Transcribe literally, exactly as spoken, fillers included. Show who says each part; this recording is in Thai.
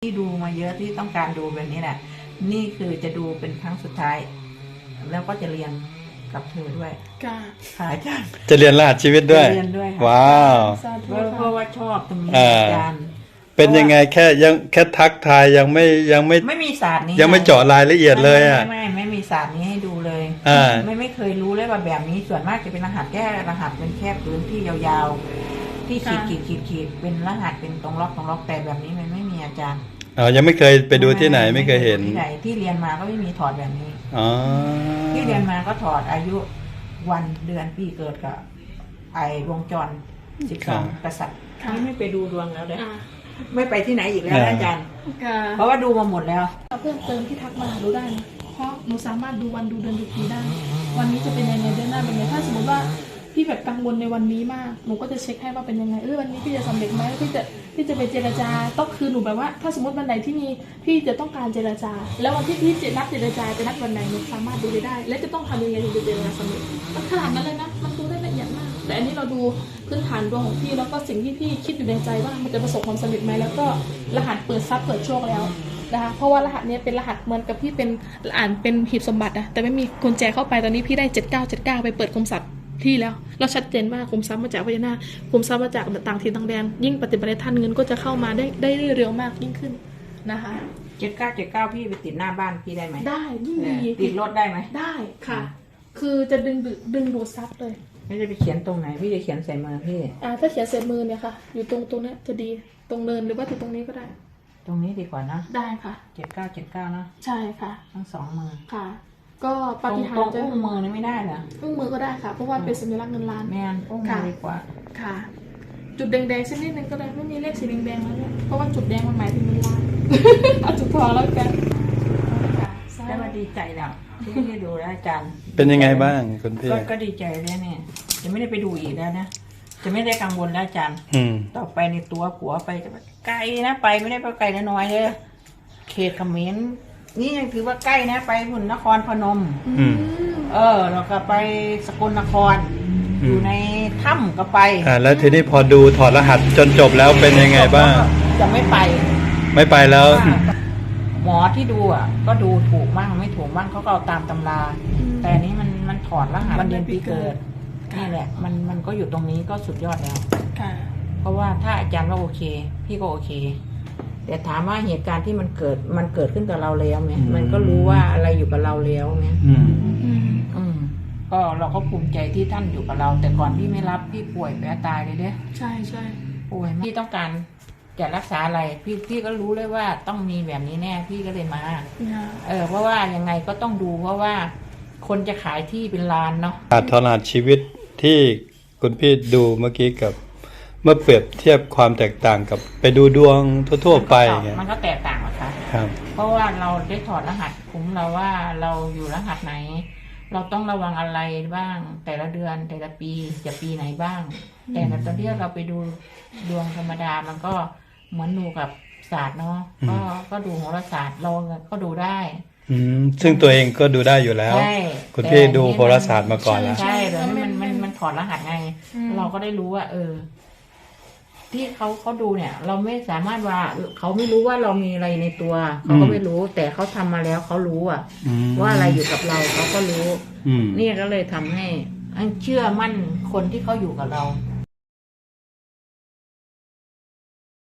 Speaker 1: ที่ดูมาเยอะที่ต้องการดูแบบนี้แหละนี่คือจะดูเป็นครั้งสุดท้ายแล้วก็จะเรียนกับเธอด้วยค่ะอาจารย์
Speaker 2: จะเรียนรหัสชีวิตด้วย
Speaker 1: เรียนด้วย
Speaker 2: ว้าว
Speaker 1: เพราะว่าชอบตรงนี้อาจารย์
Speaker 2: เป็นยังไงแค่ยังแค่ทักทายยังไม่ยังไม่
Speaker 1: ไม่มีศาสตร์นี้
Speaker 2: ยังไม่เจาะรายละเอียดเลยอ่ะ
Speaker 1: ไม่ไม่ไม่มีศาสตร์นี้ให้ดูเลยไม่ไม่เคยรู้เลยว่าแบบนี้ส่วนมากจะเป็นรหัสแค่รหัสเป็นแค่พื้นที่ยาวๆที่ขีดขีดขีดขีดเป็นรหัสเป็นตรงล็อกตรงล็อกแต่แบบนี้มันไม่มีอาจารย์
Speaker 2: อ๋อยังไม่เคยไปดูที่ไหนไม่เคยเห็น
Speaker 1: ที่ไหนที่เรียนมาก็ไม่มีถอดแบบนี้
Speaker 2: อ๋อ
Speaker 1: ที่เรียนมาก็ถอดอายุวันเดือนปีเกิดกับไอวงจรสิบสองกษัตริย์ไม่ไปดูดวงแล้วเลยไม่ไปที่ไหนอีกแล้วอาจารย์เพราะว่าดูมาหมดแล้ว
Speaker 3: เพิ่มเติมที่ทักมาดูได้นะเพราะหนูสามารถดูวันดูเดือนดูปีได้วันนี้จะเป็นยังไงเดือนหน้าเป็นยังไงถ้าสมมติว่าพี่แบบกังวลในวันนี้มากหนูก็จะเช็คให้ว่าเป็นยังไงเออวันนี้พี่จะสำเร็จไหมพี่จะพี่จะไปเจรจาต้องคือหนูแบบว่าถ้าสมมติวันไหนที่มีพี่จะต้องการเจรจาแล้ววันที่พี่จะนัดเจรจาจะนัดวันไหนหนูสามารถดูได้และจะต้องทำยังไงถึงจะเจรจาสำเร็จมันขนาดนั้นเลยนะมันดูได้ละเอียดมากแต่อันนี้เราดูพื้นฐานดวงของพี่แล้วก็สิ่งที่พี่คิดอยู่ในใจว่ามันจะประสบความสำเร็จไหมแล้วก็รหัสเปิดทรัพย์เปิดโชคแล้วนะคะเพราะว่ารหัสนี้เป็นรหัสเหมือนกับพี่เป็นอ่านเป็นหีบสมบัตินะแต่ไม่มีกุญแจเข้าไปตอนนี้พี่ได้เจ็ดเก้าเจ็ดเก้าไปเปิดคุมทรัพย์ที่แล้วเราชัดเจนว่าคุมทรัพย์มาจากพญานาคคุมทรัพย์มาจากต่างถิ่นต่างแดนยิ่งปฏิบัติท่านเงินก็จะเข้ามาได้ได้เร็วมากยิ่งขึ้นนะคะ
Speaker 1: เจ็ดเก้าเจ็ดเก้าพี่ไปติดหน้าบ้านพี่ได้ไหม
Speaker 3: ได้ยิ่งดี
Speaker 1: ติดรถได้ไหม
Speaker 3: ได้ค่ะคือจะดึงดึงดูดทรัพย์เลย
Speaker 1: ไม่ได้ไปเขียนตรงไหนพี่จะเขียนใส่มือพี่
Speaker 3: อ่าถ้าเขียนใส่มือเนี่ยค่ะอยู่ตรงตรงนี้จะดีตรงเนินหรือว่าตรงนี้ก็ได้
Speaker 1: ตรงนี้ดีกว่านะ
Speaker 3: ได้ค่ะ
Speaker 1: เจ็ดเก้าเจ็ดเก้านะ
Speaker 3: ใช่ค่ะ
Speaker 1: ทั้งสองมือ
Speaker 3: ค่ะก็ปฏิหาร
Speaker 1: จะอุ้งมือนี่ไม่ได้เหรอ
Speaker 3: อุ้งมือก็ได้ค่ะเพราะว่าเป็นสัญลักษณ์เงินล้าน
Speaker 1: แม่นอุ้งมือดีกว่า
Speaker 3: ค่ะจุดแดงๆสักนิดนึงก็ได้ไม่มีเลขสีแดงๆแล้วเนี่ยเพราะว่าจุดแดงมันหมายถึงเงินล้านเอาจุดทองแล้วกัน
Speaker 1: ได้มาดีใจแล้วที่ได้ดูแล้วอาจารย์
Speaker 2: เป็นยังไงบ้างคุณพี่
Speaker 1: ก็ดีใจเลยเนี่ยจะไม่ได้ไปดูอีกแล้วนะจะไม่ได้กังวลแล้วอาจารย์ต่อไปในตัวผัวไปจะไกลนะไปไม่ได้ไปไกลน้อยเลยเขตเขมรนี่ยังถือว่าใกล้นะไปหุ่นนครพนมเออแล้วก็ไปสกลนครอยู่ในถ้ำก็ไป
Speaker 2: อ่าแล้วทีนี้พอดูถอดรหัสจนจบแล้วเป็นยังไงบ้าง
Speaker 1: จะไม่ไป
Speaker 2: ไม่ไปแล้ว
Speaker 1: หมอที่ดูอ่ะก็ดูถูกบ้างไม่ถูกบ้างเขาก็เอาตามตำราแต่นี้มันมันถอดรหัสวันเดือนปีเกิดนี่แหละมันมันก็อยู่ตรงนี้ก็สุดยอดแล้วเพราะว่าถ้าอาจารย์ว่าโอเคพี่ก็โอเคแต่ถามว่าเหตุการณ์ที่มันเกิดมันเกิดขึ้นกับเราแล้วไหมมันก็รู้ว่าอะไรอยู่กับเราแล้วไหมอืมอืมก็เราก็ภูมิใจที่ท่านอยู่กับเรา แต่ก่อนพี่ไม่รับพี่ป่วยแพ้ตายเลยเด้
Speaker 3: ใช่ใช่
Speaker 1: ป่วยพี่ต้องการจะรักษาอะไรพี่พี่ก็รู้เลยว่าต้องมีแบบนี้แน่พี่ก็เลยมาเออเพราะว่ายังไงก็ต้องดูเพราะว่าคนจะขายที่เป็นล้านเนาะ
Speaker 2: ถอดรหัสชีวิตที่คุณพี่ดูเมื่อกี้กับเมื่อเปรียบเทียบความแตกต่างกับไปดูดวงทั่วๆไป
Speaker 1: มันก็แตกต่างอะค่ะ
Speaker 2: ครับ
Speaker 1: เพราะว่าเราได้ถอดรหัสคุ้มเราว่าเราอยู่รหัสไหนเราต้องระวังอะไรบ้างแต่ละเดือนแต่ละปีจะปีไหนบ้างแต่ตอนที่เราไปดูดวงธรรมดามันก็เหมือนดูกับศาสตร์เนาะก็ก็ดูโหราศาสตร์เราก็ดูได้
Speaker 2: อืมซึ่งตัวเองก็ดูได้อยู่แล้วคุณพี่ดูโหราศาสตร์มาก่อนแล้ว
Speaker 1: ใช่แบบนี้มันมันมันถอดรหัสไงเราก็ได้รู้ว่าเออที่เขาเขาดูเนี่ยเราไม่สามารถว่าเขาไม่รู้ว่าเรามีอะไรในตัวเขาก็ไม่รู้แต่เขาทำมาแล้วเขารู้อ่ะว่าอะไรอยู่กับเราเขาก็รู้นี่ก็เลยทำให้เชื่อมั่นคนที่เขาอยู่กับเรา